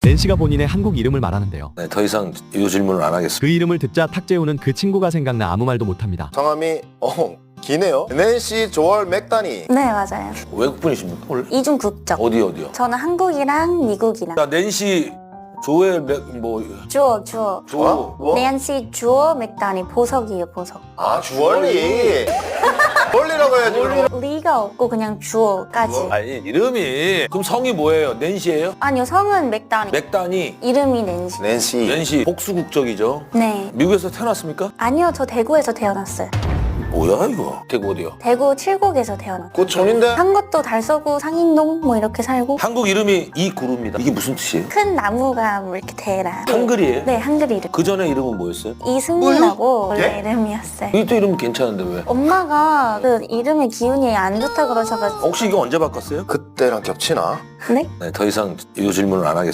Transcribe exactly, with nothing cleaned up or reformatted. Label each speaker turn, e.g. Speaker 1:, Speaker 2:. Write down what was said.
Speaker 1: 낸시가 본인의 한국 이름을 말하는데요.
Speaker 2: 네, 더 이상 이 질문을 안 하겠습니다.
Speaker 1: 그 이름을 듣자 탁재훈은 그 친구가 생각나 아무 말도 못합니다.
Speaker 3: 성함이 어 기네요. 낸시 조얼 맥다니.
Speaker 4: 네, 맞아요.
Speaker 2: 외국 분이십니까 원래?
Speaker 4: 이중 국적.
Speaker 2: 어디 어디요?
Speaker 4: 저는 한국이랑 미국이랑.
Speaker 2: 자, 낸시 조엘 맥 뭐
Speaker 4: 주어, 주어.
Speaker 2: 조.
Speaker 3: 뭐?
Speaker 4: 낸시 주어 맥다니 보석이에요, 보석.
Speaker 3: 아 주얼리. 주얼리라고 해야지. 그럼.
Speaker 4: 리가 없고 그냥 주어까지.
Speaker 2: 아니 이름이 그럼 성이 뭐예요? 낸시예요?
Speaker 4: 아니요, 성은 맥다니.
Speaker 2: 맥다니.
Speaker 4: 이름이 낸시.
Speaker 3: 낸시.
Speaker 2: 낸시 복수 국적이죠.
Speaker 4: 네.
Speaker 2: 미국에서 태어났습니까?
Speaker 4: 아니요, 저 대구에서 태어났어요.
Speaker 2: 뭐야 이거? 대구 어디요?
Speaker 4: 대구 칠곡에서 태어났어요.
Speaker 3: 꽃촌인데.
Speaker 4: 한 것도 달서구 상인동 뭐 이렇게 살고
Speaker 2: 한국 이름이 이구루입니다. 이게 무슨 뜻이에요?
Speaker 4: 큰 나무가 뭐 이렇게 대라.
Speaker 2: 한글이에요?
Speaker 4: 네, 한글 이름.
Speaker 2: 그 전에 이름은 뭐였어요?
Speaker 4: 이승리라고 원래
Speaker 3: 예?
Speaker 4: 이름이었어요.
Speaker 2: 이게 또 이름 괜찮은데 왜?
Speaker 4: 엄마가 그 이름의 기운이 안 좋다 그러셔가지고.
Speaker 2: 혹시 이거 언제 바꿨어요?
Speaker 3: 그때랑 겹치나?
Speaker 4: 네?
Speaker 2: 네, 더 이상 이 질문을 안 하겠습니다.